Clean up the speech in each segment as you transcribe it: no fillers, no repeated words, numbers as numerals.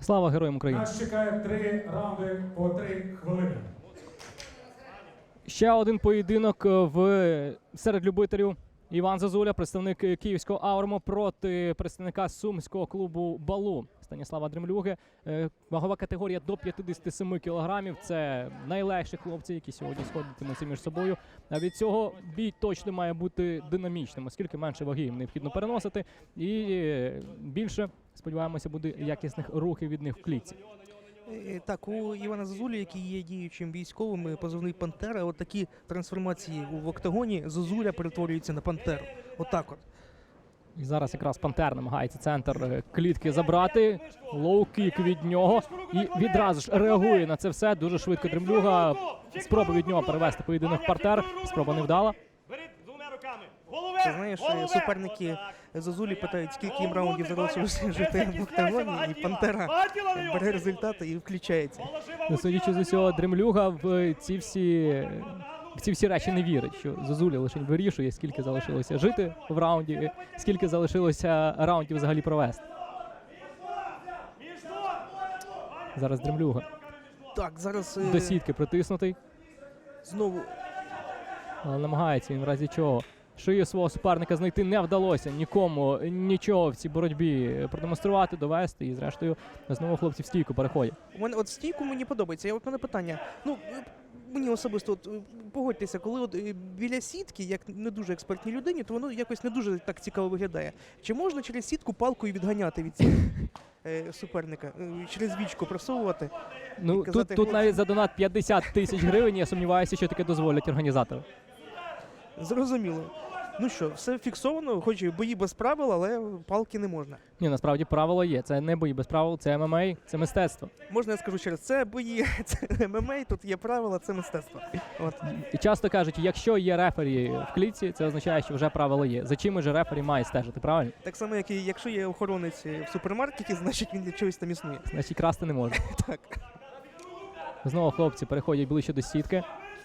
Слава Героям України! Нас чекає 3 раунди по 3 хвилини. Ще один поєдинок серед любителів. Іван Зозуля, представник київського «Ауруму» проти представника сумського клубу «Балу» Станіслава Дремлюги. Вагова категорія до 57 кілограмів. Це найлегші хлопці, які сьогодні сходитимуться між собою. А від цього бій точно має бути динамічним, оскільки менше ваги їм необхідно переносити. І більше, сподіваємося, буде якісних рухів від них в клітці. Так, у Івана Зозулі, який є діючим військовим, позивний «Пантера», от такі трансформації в октагоні Зозуля перетворюється на «Пантеру». Отак от. І зараз якраз «Пантер» намагається центр клітки забрати. Лоу-кік від нього. І відразу ж реагує на це все. Дуже швидко Дремлюга. Спроба від нього перевести поєдинок в партер. Спроба невдала. Ти знаєш, суперники Зозулі питають, скільки їм раундів залишилося жити в октагоні, і «Пантера» бере результати і включається. Судячи з усього, Дремлюга в ці всі речі не вірить, що Зозуля лише вирішує, скільки залишилося жити в раунді, скільки залишилося раундів взагалі провести. Зараз Дремлюга. Так, зараз До сітки притиснутий. знову Але намагається він в разі чого. Шию свого суперника знайти не вдалося нікому нічого в цій боротьбі продемонструвати, довести. І зрештою знову хлопці в стійку переходять. у мене от стійку мені подобається. От мене питання. Ну, мені особисто от, погодьтеся, коли от біля сітки, як не дуже експертній людині, то воно якось не дуже так цікаво виглядає. Чи можна через сітку палкою відганяти від цього суперника, через вічку просовувати? Ну, тут навіть за донат 50 тисяч гривень, я сумніваюся, що таке дозволять організатори. Зрозуміло. Ну що, все фіксовано, хоч і бої без правил, але палки не можна. Ні, насправді правило є. Це не бої без правил, це ММА, це мистецтво. Можна я скажу через це бої, це ММА, тут є правила, це мистецтво. От. І часто кажуть, якщо є рефері в клітці, це означає, що вже правило є. За чим же рефері має стежити, правильно? Так само, як і якщо є охоронець в супермаркеті, значить він для чогось там існує. Значить, красти не можна. Так. Знову хлопці переходять ближче до сітки.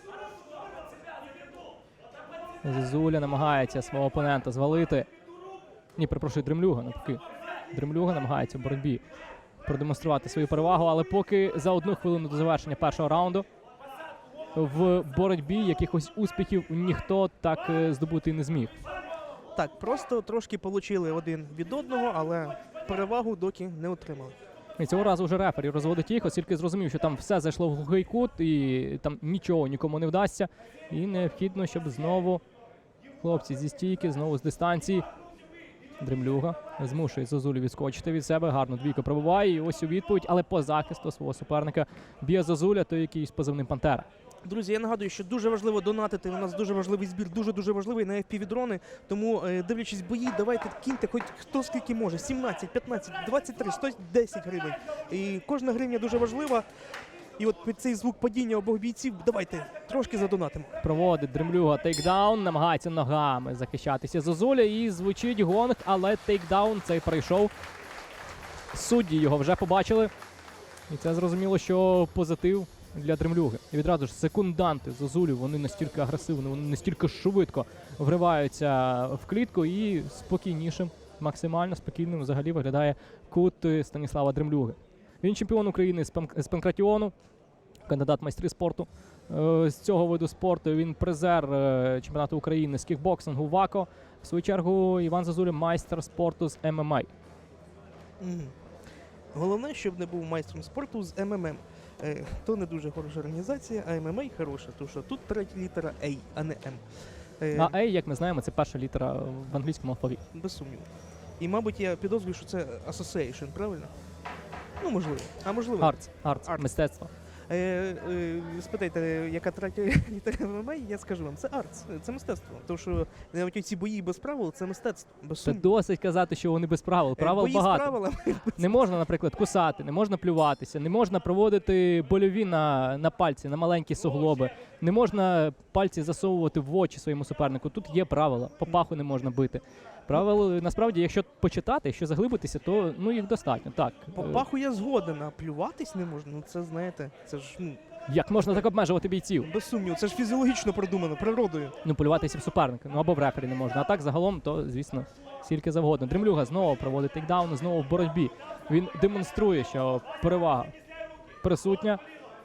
Зозуля намагається свого опонента звалити. Ні, перепрошую, Дремлюга навпаки. Дремлюга намагається в боротьбі продемонструвати свою перевагу, але поки за 1 хвилину до завершення першого раунду в боротьбі якихось успіхів ніхто так здобути не зміг. Так, просто трошки получили один від одного, але перевагу доки не отримали. І цього разу вже рефері розводить їх, оскільки зрозумів, що там все зайшло в глухий кут і там нічого нікому не вдасться. І необхідно, щоб знову хлопці зі стійки, знову з дистанції. Дремлюга змушує Зозулю відскочити від себе, гарно двійку пробиває і ось у відповідь, але по захисту свого суперника б'є Зозуля, той який з позивним «Пантера». Друзі, я нагадую, що дуже важливо донатити. У нас дуже важливий збір, дуже важливий на FPV-дрони. Тому, дивлячись бої, давайте киньте хоч хто скільки може. 17, 15, 23, 110 гривень. І кожна гривня дуже важлива. І от під цей звук падіння обох бійців давайте трошки задонатимо. Проводить Дремлюга тейкдаун, намагається ногами захищатися Зозуля і звучить гонг, але тейкдаун цей пройшов. Судді його вже побачили. І це зрозуміло, що позитив для Дремлюги. І відразу ж секунданти Зозулі, вони настільки агресивні, вони настільки швидко вриваються в клітку і спокійнішим, максимально спокійним взагалі виглядає кут Станіслава Дремлюги. Він чемпіон України з панкратіону, кандидат в майстри спорту. З цього виду спорту він призер чемпіонату України з кікбоксингу ВАКО. В свою чергу Іван Зозуля майстер спорту з ММА. Головне, щоб не був майстром спорту з МММ. То не дуже хороша організація, а ММА хороша, тому що тут третя літера A, а не М. А A, як ми знаємо, це перша літера в англійському алфавіті. Без сумніву. І, мабуть, я підозрюю, що це Association, правильно? Ну, можливо. А можливо. Арт. Мистецтво. Спитайте, яка третя літера ММА, я скажу вам, це арт, це мистецтво. Тому що навіть ці бої без правил – це мистецтво, без Це сумніву. досить казати, що вони без правил. Правил бої багато. З правилами. Не можна, наприклад, кусати, не можна плюватися, не можна проводити больові на пальці, на маленькі суглоби. Не можна пальці засовувати в очі своєму супернику. Тут є правила. По паху не можна бити. Правила, насправді, якщо почитати, якщо заглибитися, то їх достатньо. Так. По паху я згоден, а плюватись не можна. Ну це, знаєте, це ж Як можна так обмежувати бійців? Без сумніву, це ж фізіологічно продумано, природою. Ну, полюватися в суперника, ну або в рефері не можна. А так загалом, то, звісно, скільки завгодно. Дремлюга знову проводить тейкдаун, знову в боротьбі. Він демонструє, що перевага присутня.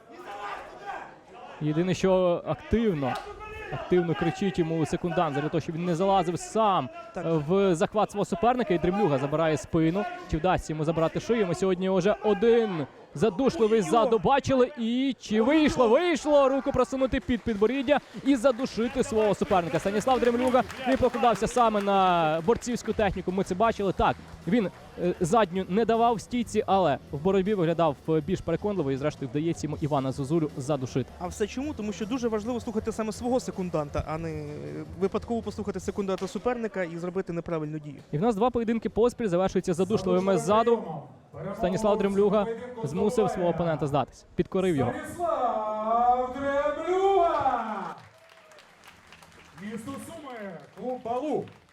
Єдине, що активно кричить йому секундант, для того, щоб він не залазив сам Так. в захват свого суперника. І Дремлюга забирає спину. Чи вдасться йому забрати шию? Ми сьогодні вже один задушливий ззаду бачили. І чи вийшло? Вийшло! Руку просунути під підборіддя і задушити свого суперника. Станіслав Дремлюга не покладався саме на борцівську техніку. Ми це бачили. Так, він задню не давав в стійці, але в боротьбі виглядав більш переконливо. І зрештою вдається йому Івана Зозулю задушити. А все чому? Тому що дуже важливо слухати саме свого секунданта, а не випадково послухати секунданта суперника і зробити неправильну дію. І в нас 2 поєдинки поспіль завершуються задушливими ззаду. Станіслав Дремлюга змусив свого опонента здатися. Підкорив його. Станіслав Дремлюга! Місто Суми, клуб Балу.